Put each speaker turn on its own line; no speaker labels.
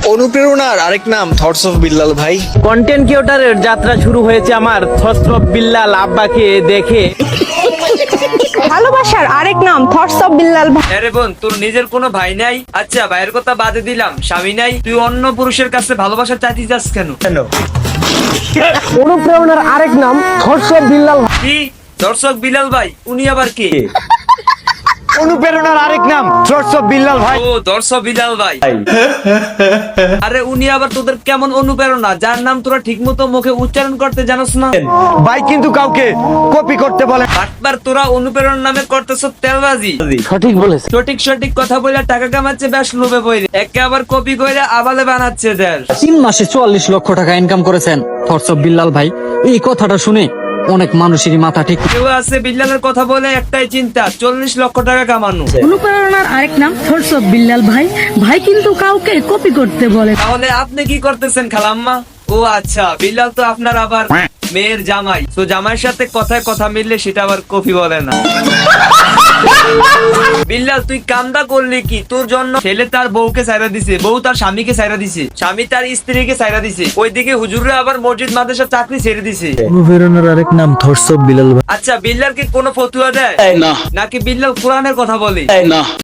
অনুপ্রেরণার আরেক নাম থটস অফ বিল্লাল ভাই।
কন্টেন্ট ক্রিয়েটরের যাত্রা শুরু হয়েছে আমার থটস অফ বিল্লাল আব্বাকে দেখে।
ভালোবাসার আরেক নাম থটস অফ বিল্লাল ভাই।
আরে বোন, তোর নিজের কোনো ভাই নাই? আচ্ছা, ভাইয়ের কথা বাদে দিলাম, স্বামী নাই, তুই অন্য পুরুষের কাছে ভালোবাসা চাইতে যাস কেন?
অনুপ্রেরণার আরেক নাম থটস অফ বিল্লাল ভাই।
কি দর্শক বিলাল ভাই? উনি আবার কে?
অনুপ্রেরণার আরেক নাম থটস অফ বিল্লাল ভাই।
ও, দর্শক বিলাল ভাই। আরে উনি আবার তোদের কেমন অনুপ্রেরণা যার নাম তোরা ঠিক মতো মুখে উচ্চারণ করতে জানোস না?
ভাই কিন্তু কাউকে কপি করতে বলে।
বাটবার তোরা অনুপ্রেরণা নামে করতেছ তেলবাজি।
সঠিক বলেছে।
সঠিক কথা বলে টাকা কামাচ্ছে, বেশ লোভে পড়ে একে আবার কপি করে আবালে বানাচ্ছে দেশ।
3 মাসে 44 লক্ষ টাকা ইনকাম করেছেন থটস অফ বিল্লাল ভাই। এই কথাটা শুনে অনেক মানুষেরই মাথা ঠিক।
কেউ আছে বিল্লালের কথা বলে একটাই চিন্তা, 40 লক্ষ টাকা কামানো।
অনুপ্রেরণার আরেক নাম থটস অফ বিল্লাল ভাই। ভাই কিন্তু কাউকে কপি করতে বলে।
তাহলে আপনি কি করতেছেন খালাম্মা? ও আচ্ছা, বিল্লাল তো আপনার আবার মেয়ের জামাই, তো জামাইয়ের সাথে কথায় কথা মিললে সেটা আবার কপি বলে না। বিল্লাল, তুই কামদা করলি কি? তোর জন্য ছেলে তার বউকে ছাইরা দিছে, বউ তার স্বামীকে ছাইরা দিছে, স্বামী তার স্ত্রীকে ছাইরা দিছে, ওইদিকে হুজুররা আবার মসজিদ মাদ্রাসার চাকরি ছেড়ে দিছে।
অনুপ্রেরণার আরেক নাম থটস অফ বিল্লাল ভাই।
আচ্ছা, বিল্লাল কি কোনো ফতুয়া দেয়? নাকি বিল্লাল কোরআনের কথা বলে?